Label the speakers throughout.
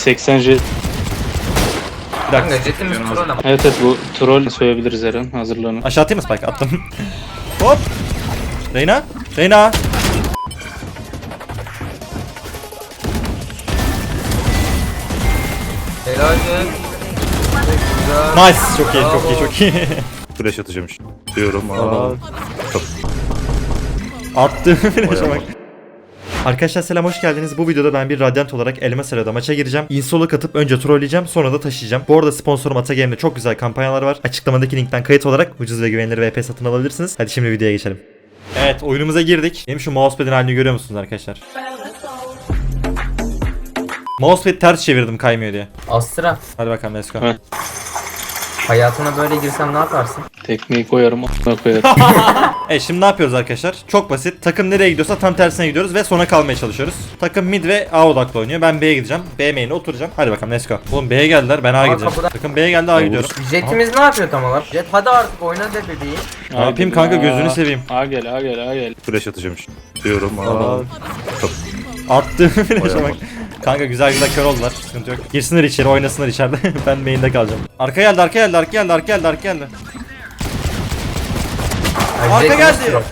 Speaker 1: 80 jet.
Speaker 2: Bir dakika. Jetimiz troll ama.
Speaker 1: Evet evet, bu troll söyleyebiliriz Eren. Hazırlanın.
Speaker 3: Aşağı atayım mı spike? Attım. Hop. Reyna. Reyna.
Speaker 2: Helal be.
Speaker 3: Nice. Çok iyi, çok iyi, çok iyi.
Speaker 4: Flash atacağım şimdi. Diyorum ama.
Speaker 3: Attım flash'a bak. Arkadaşlar selam, hoş geldiniz. Bu videoda ben bir Radiant olarak Elmas Arena'da maça gireceğim. Insol'a katıp önce trolleyeceğim, sonra da taşıyacağım. Bu arada sponsorum Atagame'de çok güzel kampanyalar var. Açıklamadaki linkten kayıt olarak ucuz ve güvenilir VP satın alabilirsiniz. Hadi şimdi videoya geçelim. Evet, oyunumuza girdik. Benim şu mousepad'in halini görüyor musunuz arkadaşlar? Mousepad ters çevirdim kaymıyor diye.
Speaker 2: Astra.
Speaker 3: Hadi bakalım, let's go.
Speaker 1: Evet.
Speaker 2: Hayatına böyle girsem ne yaparsın?
Speaker 1: Tekmeyi koyarım, a**ına koyarım.
Speaker 3: Evet, şimdi ne yapıyoruz arkadaşlar? Çok basit. Takım nereye gidiyorsa tam tersine gidiyoruz ve sona kalmaya çalışıyoruz. Takım mid ve A odaklı oynuyor. Ben B'ye gideceğim. B main'e oturacağım. Hadi bakalım, let's go. Oğlum B'ye geldiler, ben A'ya gideceğim.
Speaker 2: kapıda.
Speaker 3: Takım B'ye geldi, A'ya gidiyorum.
Speaker 2: Jetimiz ne yapıyor tam olarak? Jet hadi artık oyna de bebeği.
Speaker 3: Ne yapayım kanka, gözünü seveyim.
Speaker 1: A gel, A gel, A gel.
Speaker 4: Flash atacağım şimdi. Diyorum ama.
Speaker 3: Attım flash'a bak. Kanka güzel güzel kör oldular. Sıkıntı yok. Girsinler içeri, oynasınlar içeride. Ben main'de kalacağım. Arka geldi, arka geldi, arka geldi, arka geldi, arka geldi. Arka
Speaker 2: Jetimiz
Speaker 3: geldi.
Speaker 2: troll.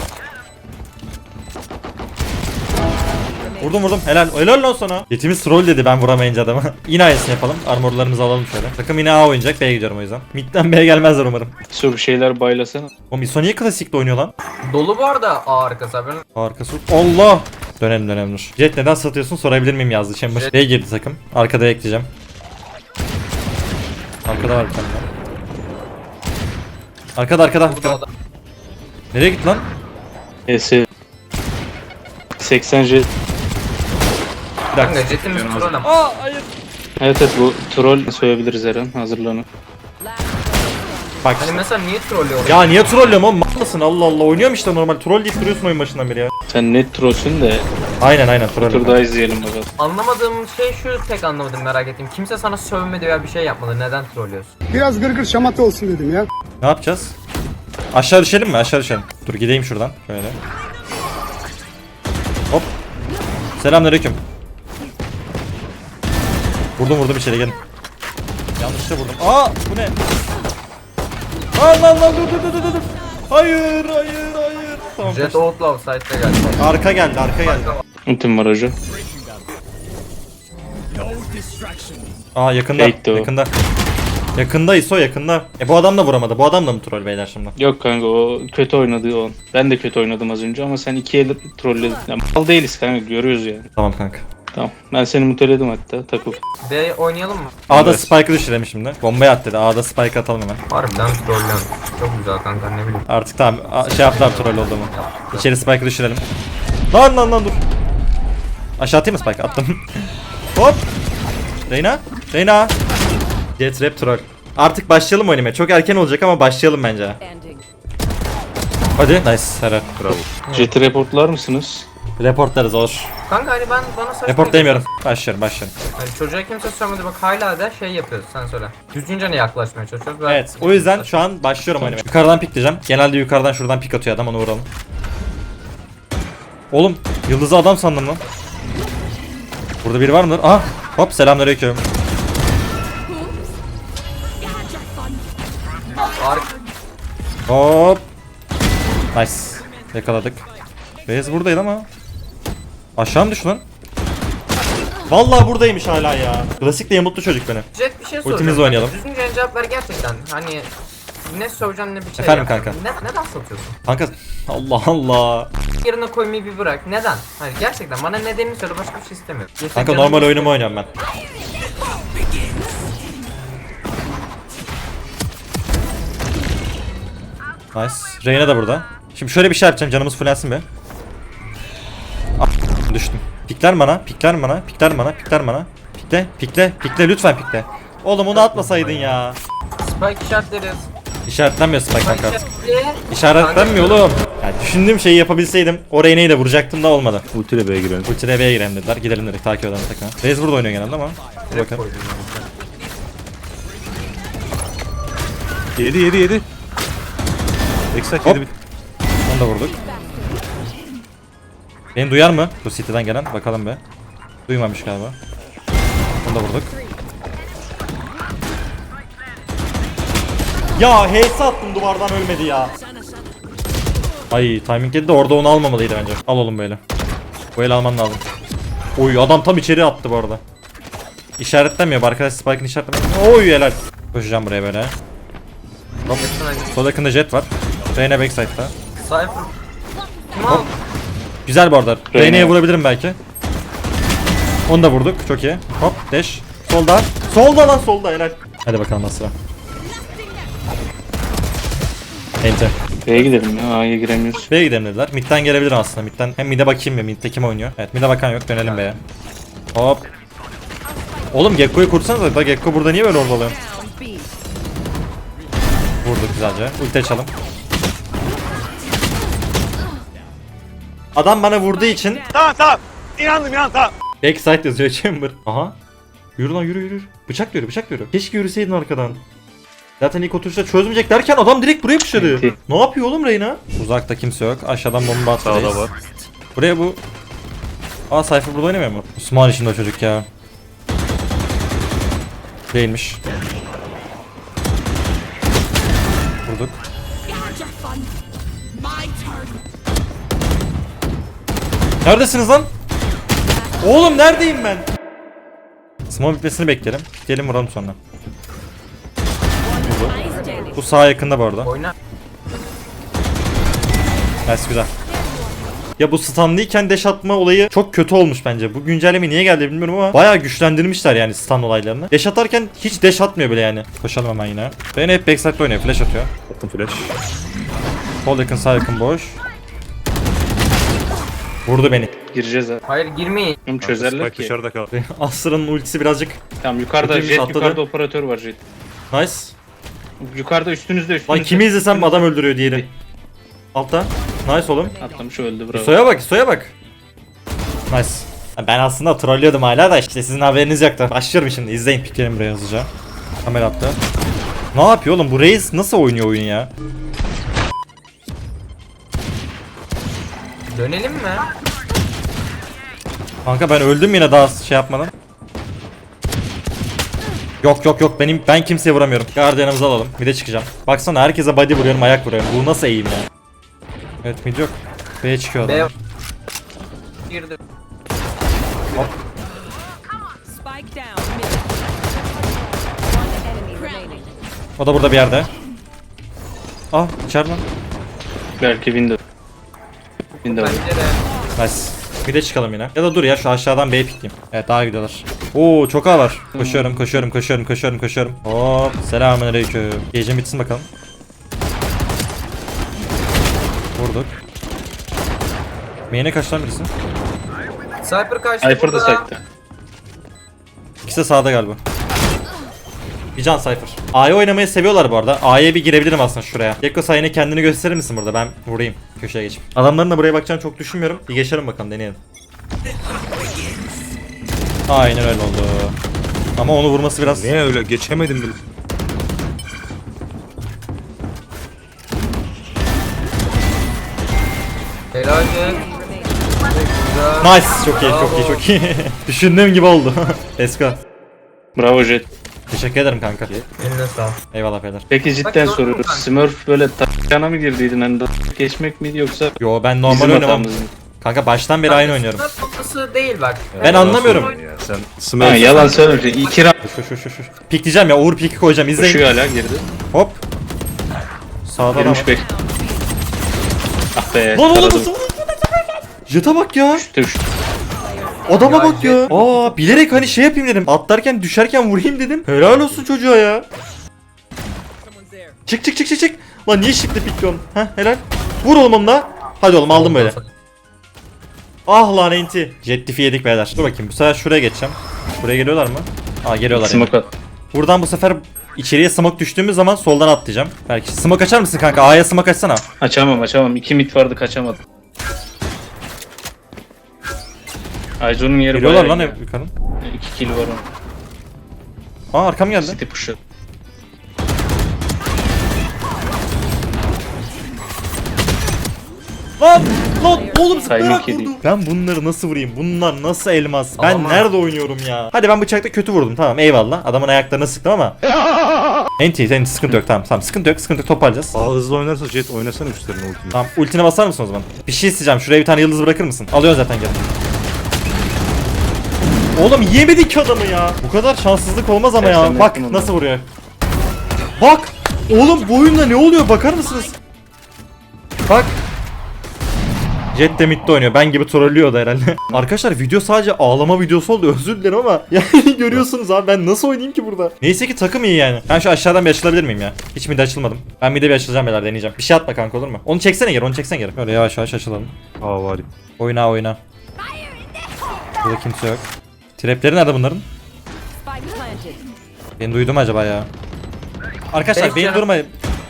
Speaker 3: Vurdum vurdum. Helal. Helal lan sana. Yetimiz troll dedi ben vuramayınca adamı. Yine aynısını yapalım. Armorlarımızı alalım şöyle. Takım yine A oynayacak. B'ye gidiyorum o yüzden. Mid'den B'ye gelmezler umarım.
Speaker 1: Su bir şeyler baylasana.
Speaker 3: O Miso niye klasikte oynuyor lan?
Speaker 2: Dolu bu arada A arkası haberin.
Speaker 3: Arkası. Allah. Dönelim dönelim dur. Jet neden satıyorsun sorabilir miyim yazdı. Chamber. B'ye girdi takım. Arkada ekleyeceğim. Arkada var bir tane daha. Arkada arkada.
Speaker 2: Bu da adam.
Speaker 3: Nereye gitti lan?
Speaker 1: ES 80 jet.
Speaker 3: Bir dakika.
Speaker 2: Kanka jetimiz troll ama.
Speaker 3: Aa hayır.
Speaker 1: Evet evet, bu troll söyleyebiliriz Eren. Hazırlanın.
Speaker 3: Bak
Speaker 2: Hani
Speaker 3: işte.
Speaker 2: mesela niye trollüyor?
Speaker 3: Ya niye trollüyorum oğlum? Mal mısın? Allah Allah. Oynuyorum işte normal. Troll deyip duruyorsun oyun başından beri ya.
Speaker 1: Sen net trollsün de
Speaker 3: Aynen troll.
Speaker 1: tur daha izleyelim bakalım.
Speaker 2: Anlamadığım şey şu, tek anlamadım, merak ettim. Kimse sana sövmedi veya bir şey yapmadı. Neden trollüyorsun?
Speaker 5: Biraz gırgır şamata olsun dedim ya.
Speaker 3: Ne yapacağız? Aşağı düşelim mi? Aşağı düşelim. Dur gideyim şuradan. Şöyle. Hop. Selamünaleyküm. Vurdum içeri gelin. Yanlışlıkla vurdum. Aa bu ne? Lan dur. Hayır. Tamam.
Speaker 2: Jet outlaw site'de geldi.
Speaker 3: Arka geldi.
Speaker 1: Ultim var hocam.
Speaker 3: Aa yakında.
Speaker 1: Fake'ti o.
Speaker 3: Yakında ISO yakında. Bu adam da vuramadı. Bu adam da mı troll beyler şimdi?
Speaker 1: Yok kanka, o kötü oynadı o. Ben de kötü oynadım az önce ama sen iki el trolledin. Ya, mal değiliz kanka, görüyoruz yani.
Speaker 3: Tamam kanka.
Speaker 1: Tamam, ben seni muteledim hatta, takıl.
Speaker 2: B oynayalım mı?
Speaker 3: A'da Spike'ı düşürelim şimdi. Bombayı at dedi. A'da Spike atalım hemen.
Speaker 2: Harbiden trollüyorum. Çok güzel kanka, ne bileyim.
Speaker 3: Artık tamam. Şey yaptılar troll oldu mu? İçeri Spike'ı düşürelim. Lan dur. Aşağı atayım mı Spike? Attım. Hop. Reyna. Jet rap troll. Artık başlayalım oynamaya. Çok erken olacak ama başlayalım bence. Hadi. Nice. Helal.
Speaker 4: Bravo.
Speaker 1: Jet'i reportlar mısınız?
Speaker 3: Reportlarız olur.
Speaker 2: Kanka hani bana saçma
Speaker 3: Report
Speaker 2: geliyor.
Speaker 3: demiyorum. Başlıyorum.
Speaker 2: Hani çocuğa kimse sövmedi, bak hala da şey yapıyoruz, sen söyle. Düzgünce ne yaklaşmaya çalışıyoruz? Ben...
Speaker 3: Evet. O yüzden şu an başlıyorum oynamaya. Yukarıdan pikleyeceğim. Genelde yukarıdan şuradan pik atıyor adam, onu vuralım. Oğlum yıldızı adam sandım lan. Burada biri var mıdır? Aha. Hop selamünaleyküm. Hop. Nice. Yakaladık. Beyaz buradaydı ama. Aşağı mı düştü lan? Vallahi buradaymış hala ya. Klasik de mutlu çocuk beni.
Speaker 2: Jet bir şey soracağım.
Speaker 3: Ultimizle oynayalım.
Speaker 2: Düzgünce cevap ver gerçekten. Hani ne söveceksin ne bir şey
Speaker 3: Efendim
Speaker 2: yap.
Speaker 3: kanka.
Speaker 2: Neden satıyorsun?
Speaker 3: Kanka Allah Allah.
Speaker 2: Yerine koymayı bir bırak. Neden? Hani gerçekten bana nedenini söyle, başka bir şey istemiyorum.
Speaker 3: Kanka normal oyunumu oynuyorum ben. Nice. Reyna da burada. Şimdi şöyle bir şey yapacağım, canımız fullensin be. Düştüm. Pikler bana. Pikle lütfen pikle. Oğlum onu atmasaydın ya.
Speaker 2: Spike işaretleriz.
Speaker 3: İşaretlenmiyor Spike kanka.
Speaker 2: işaretli.
Speaker 3: İşaretlenmiyor oğlum. Ya düşündüğüm şeyi yapabilseydim o Reyna'yı da vuracaktım da olmadı.
Speaker 4: Ultiyle B'ye girelim.
Speaker 3: Ulti'de B'ye girelim dediler. Gidelim dedik, takip edelim takımı. Reis burada oynuyor genelde ama. Dur bakalım.
Speaker 4: Yedi. Eksak
Speaker 3: Hop.
Speaker 4: yedi.
Speaker 3: Onu da vurduk. Beni duyar mı? Bu City'den gelen. Bakalım be. Duymamış galiba. Bunu da vurduk. Ya HS attım duvardan ölmedi ya. Ay timing yedi de orada onu almamalıydı bence. Al oğlum böyle. Bu el alman lazım. Oy adam tam içeri attı bu arada. İşaretlemiyor bu arkadaş, Spike'ın işaretlemiyor. Oy helal. Koşacağım buraya böyle. Hop. Sol yakında jet var. Reyna backside'da.
Speaker 2: Cypher. Tamam.
Speaker 3: Güzel bu arada.
Speaker 1: Reyna.
Speaker 3: Reyna'ya vurabilirim belki. Onu da vurduk. Çok iyi. Hop dash. Solda. Solda lan solda helal. Hadi bakalım nasıl sıra. Enter.
Speaker 1: B'ye gidelim ya. A'ya giremiyoruz.
Speaker 3: B'ye gidelim dediler. Mid'den gelebilirim aslında. Mid'den hem mid'e bakayım ya. Mid'de kim oynuyor? Evet mid'e bakan yok. Dönelim B'ye. Hop. Oğlum Gekko'yu kursanıza. Da Gekko burada niye böyle orada oluyor? Vurduk güzelce. Ulti açalım. Adam bana vurduğu için.
Speaker 4: Tamam. İnandım.
Speaker 3: Backside yazıyor Chamber. Aha. Yürü lan yürü. Bıçak yürü. Keşke yürüseydin arkadan. Zaten ilk oturuşta çözmeyecek derken adam direkt buraya pushladı.
Speaker 1: Evet.
Speaker 3: Ne yapıyor oğlum Reyna? Uzakta kimse yok. Aşağıdan bomba atmadayız.
Speaker 4: Sağda var.
Speaker 3: Buraya bu... Aa Cypher burada oynamıyor mu? Osman içinde o çocuk ya. Değilmiş. Vurduk. Neredesiniz lan? Oğlum neredeyim ben? Smoke bitmesini bekleyelim. Gelin vuralım sonra. Bu sağa yakında bu arada.
Speaker 2: Oyna.
Speaker 3: Nice güzel. Ya bu stunlıyken dash atma olayı çok kötü olmuş bence. Bu güncelleme niye geldi bilmiyorum ama bayağı güçlendirmişler yani stun olaylarını. Dash atarken hiç dash atmıyor bile yani. Koşalım hemen yine. Ben hep backside'de oynuyor. Flash atıyor.
Speaker 4: Attım flash.
Speaker 3: Sol yakın sağ yakın boş. Vurdu beni.
Speaker 1: Gireceğiz ha.
Speaker 2: Hayır girmeyin.
Speaker 1: Oğlum çözerler
Speaker 4: Spike
Speaker 1: ki.
Speaker 4: dışarıda kaldı.
Speaker 3: Asra'nın ultisi birazcık
Speaker 1: Tamam yukarıda
Speaker 3: Kötüymüş,
Speaker 1: jet,
Speaker 3: atladı.
Speaker 1: yukarıda operatör var jet.
Speaker 3: nice.
Speaker 1: Yukarıda üstünüzde.
Speaker 3: Lan kimi izlesem adam öldürüyor diyelim. Altta. Nice oğlum.
Speaker 1: Atlamış öldü bravo.
Speaker 3: Soya bak. Nice. Ben aslında trollüyordum hala da işte sizin haberiniz yoktu. Başlıyorum şimdi izleyin. Piklerim buraya hızlıca. Kamera attı. Ne yapıyor oğlum bu Reis nasıl oynuyor oyunu ya?
Speaker 2: Dönelim mi?
Speaker 3: Kanka ben öldüm yine daha şey yapmadan. Yok ben kimseye vuramıyorum. Guardian'ımızı alalım. Bir de çıkacağım. Baksana herkese body vuruyorum ayak vuruyorum. Bu nasıl eğim ya? Evet mid yok. B'ye çıkıyor
Speaker 2: B.
Speaker 3: adam.
Speaker 2: Girdi.
Speaker 6: Spike down mid. One enemy remaining.
Speaker 3: O da burada bir yerde. Ah içeride lan.
Speaker 1: Belki window. Window.
Speaker 2: Bence de.
Speaker 3: Nice. Bir de çıkalım yine. Ya da dur ya şu aşağıdan B'ye pikleyeyim. Evet daha gidiyorlar. Oo çok ağ var. Koşuyorum. Hop selamünaleyküm. Gecem bitsin bakalım. Vurduk. Main'e kaç lan birisi?
Speaker 2: Cypher kaçtı
Speaker 1: Cypher da
Speaker 2: burada.
Speaker 1: site'de.
Speaker 3: İkisi de sağda galiba. Bir can Cypher. A'yı oynamayı seviyorlar bu arada. A'ya bir girebilirim aslında şuraya. Gekko sen yine kendini gösterir misin burada? Ben vurayım. Köşeye geçip. Adamların da buraya bakacağını çok düşünmüyorum. Bir geçelim bakalım deneyelim. Aynen öyle oldu. Ama onu vurması biraz...
Speaker 4: Niye öyle geçemedim bile.
Speaker 2: Helal jet.
Speaker 3: Nice. Çok iyi. Düşündüğüm gibi oldu. Esko.
Speaker 1: Bravo jet.
Speaker 3: Teşekkür ederim kanka.
Speaker 2: Eline sağ ol.
Speaker 3: Eyvallah beyler.
Speaker 1: Peki cidden
Speaker 2: gördün mü
Speaker 1: soruyorum.
Speaker 2: kanka?
Speaker 1: Smurf böyle taşana mı girdiydin hani da geçmek miydi yoksa
Speaker 3: Yo ben normal
Speaker 1: bizim
Speaker 3: oynamam.
Speaker 1: hatamız mı?
Speaker 3: Kanka baştan beri aynı oynuyorum.
Speaker 2: Sınıf noktası değil bak.
Speaker 3: Ben anlamıyorum.
Speaker 4: Ya sen
Speaker 1: Ha,
Speaker 4: Smurf.
Speaker 1: yalan söyleme. 2 round
Speaker 3: Şu. Pikleyeceğim ya Uğur piki koyacağım izleyin.
Speaker 1: koşuyor hala girdi.
Speaker 3: Hop. Sağda adam.
Speaker 1: Girmiş bek. Ah be.
Speaker 3: Lan oğlum
Speaker 1: taradım.
Speaker 3: nasıl? Jet'a bak ya.
Speaker 1: Düştü.
Speaker 3: Adama
Speaker 2: Ya
Speaker 3: bak ya.
Speaker 2: jet-
Speaker 3: Aa bilerek hani şey yapayım dedim. Atlarken düşerken vurayım dedim. Helal olsun çocuğa ya. Çık. Lan niye şıklı pikliyorsun? Heh helal. Vur oğlum onu da. Hadi oğlum aldım böyle. Ah lan enti. Jet diff'i yedik beyler. Dur bakayım bu sefer şuraya geçeceğim. Buraya geliyorlar mı? Aa geliyorlar yani.
Speaker 1: Smoke at.
Speaker 3: Buradan bu sefer içeriye smoke düştüğümüz zaman soldan atlayacağım. Belki smoke açar mısın kanka? A'ya smoke açsana.
Speaker 1: Açamam. 2 mid vardı kaçamadım. Ayzo'nun yeri
Speaker 3: Geliyorlar
Speaker 1: bayağı
Speaker 3: lan
Speaker 1: iyi.
Speaker 3: yukarı.
Speaker 1: 2 kill var onun.
Speaker 3: Aa arkam geldi.
Speaker 1: City push'u.
Speaker 3: Lan oğlum zıplayarak
Speaker 1: Timing
Speaker 3: vurdu.
Speaker 1: yedi.
Speaker 3: Ben bunları nasıl vurayım? Bunlar nasıl elmas? Ben
Speaker 2: Ama-
Speaker 3: nerede oynuyorum ya? Hadi ben bıçakta kötü vurdum tamam eyvallah. Adamın ayaklarına sıktım ama. Enti sıkıntı yok tamam sıkıntı yok toparlayacağız.
Speaker 4: Daha hızlı oynarsa Jet oynasana üstlerine ultimi.
Speaker 3: Tamam ultine basar mısın o zaman? Bir şey isteyeceğim şuraya bir tane yıldız bırakır mısın? Alıyorsun zaten gel. Oğlum yemedik ki adamı ya. Bu kadar şanssızlık olmaz ama ya.
Speaker 1: Gerçekten
Speaker 3: Bak
Speaker 1: yakın
Speaker 3: nasıl vuruyor. Bak. Oğlum bu oyunda ne oluyor bakar mısınız? Bak. Jet de midde oynuyor. Ben gibi trollüyordu herhalde. Arkadaşlar video sadece ağlama videosu oldu. Özür dilerim ama yani görüyorsunuz abi ben nasıl oynayayım ki burada? Neyse ki takım iyi yani. Ben şu aşağıdan bir açılabilir miyim ya? Hiç mid açılmadım. Ben mid'e bir açılacağım beyler deneyeceğim. Bir şey atma kanka olur mu? Onu çeksene geri. Böyle yavaş yavaş açılalım.
Speaker 4: Aa var.
Speaker 3: Oyna. Burada kimse yok. Trapleri nerede bunların?
Speaker 6: Spike planted.
Speaker 3: Beni duydu mu acaba ya? Arkadaşlar
Speaker 2: Beş
Speaker 3: beni
Speaker 2: canım.
Speaker 3: durmayın.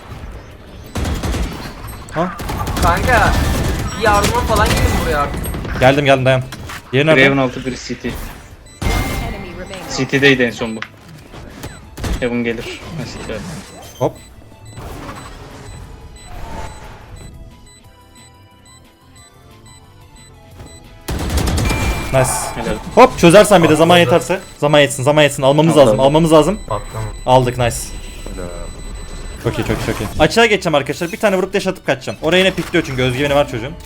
Speaker 3: Ha?
Speaker 2: Kanka bir yardıma falan gelin buraya artık.
Speaker 3: Geldim dayan. Yeri nerede?
Speaker 1: Raven altı biri CT.
Speaker 6: Enemy remaining.
Speaker 1: CT'deydi en son bu. Heaven gelir. Mesela.
Speaker 3: Hop. Nice.
Speaker 1: Helal.
Speaker 3: Hop çözersen bir de zaman yeterse. Zaman yetsin almamız
Speaker 1: Aldım.
Speaker 3: lazım.
Speaker 2: Patlama.
Speaker 3: Aldık nice. Çok iyi. Açığa geçeceğim arkadaşlar. Bir tane vurup dash atıp kaçacağım. Oraya yine pikliyor çünkü özgüveni var çocuğun.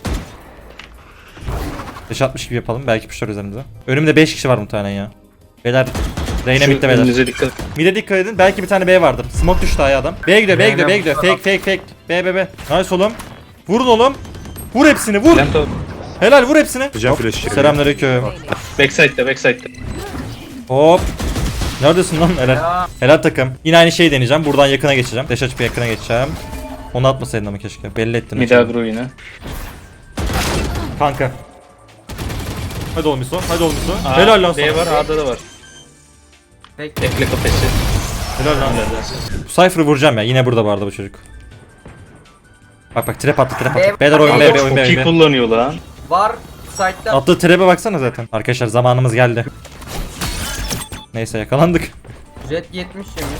Speaker 3: Dash atmış gibi yapalım. Belki puşlar üzerimize. Önümde 5 kişi var muhtemelen ya. Beyler. Reyna
Speaker 1: Şu
Speaker 3: bitti beyler.
Speaker 1: önünüze dikkat.
Speaker 3: Mid'e dikkat edin. Belki bir tane B vardır. Smoke düştü aya adam. B'ye gidiyor.
Speaker 2: Reyna-
Speaker 3: Fake. B. Nice oğlum. Vurun oğlum. Vur hepsini vur.
Speaker 1: Lento.
Speaker 3: Helal vur hepsini.
Speaker 4: Hocam
Speaker 3: Hop,
Speaker 4: flash geliyor.
Speaker 3: selamünaleyküm.
Speaker 1: Backside'de.
Speaker 3: Hop. Neredesin lan? Helal.
Speaker 2: Ya.
Speaker 3: Helal takım. Yine aynı şeyi deneyeceğim. Buradan yakına geçeceğim. Dash açıp yakına geçeceğim. Onu atmasaydın ama keşke. Belli ettin.
Speaker 1: Mid agro yine.
Speaker 3: Kanka. Hadi oğlum Iso. Helal lan
Speaker 1: B
Speaker 3: sana.
Speaker 1: var A'da da var.
Speaker 2: Peki.
Speaker 1: Bekle kafesi.
Speaker 3: Helal lan. Bu Cypher'ı vuracağım ya. Yine burada vardı bu çocuk. Bak trap attı. Beyler oyun
Speaker 2: Kanka,
Speaker 3: oyun
Speaker 1: Çok iyi kullanıyor lan.
Speaker 2: Var site'da.
Speaker 3: Attığı trap'e baksana zaten. Arkadaşlar zamanımız geldi. Neyse yakalandık.
Speaker 2: Jet 70 yemiş.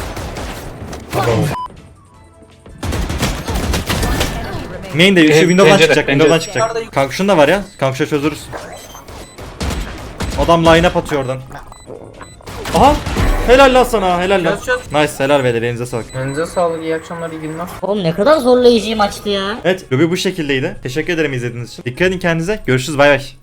Speaker 3: Main de şu window'dan
Speaker 1: Pencere,
Speaker 3: çıkacak.
Speaker 1: pencere.
Speaker 3: Window'dan çıkacak. Kanka şunu da var ya. Kanka şunu çözürüz. Adam line up atıyor oradan. Aha! Helal lan sana, helal lan.
Speaker 2: Çöz.
Speaker 3: Nice, helal beyler, elinize sağlık.
Speaker 2: Elinize sağlık, iyi akşamlar, iyi günler.
Speaker 7: Oğlum ne kadar zorlayıcı maçtı ya.
Speaker 3: Evet, lobi bu şekildeydi. Teşekkür ederim izlediğiniz için. Dikkat edin kendinize. Görüşürüz, bay bay.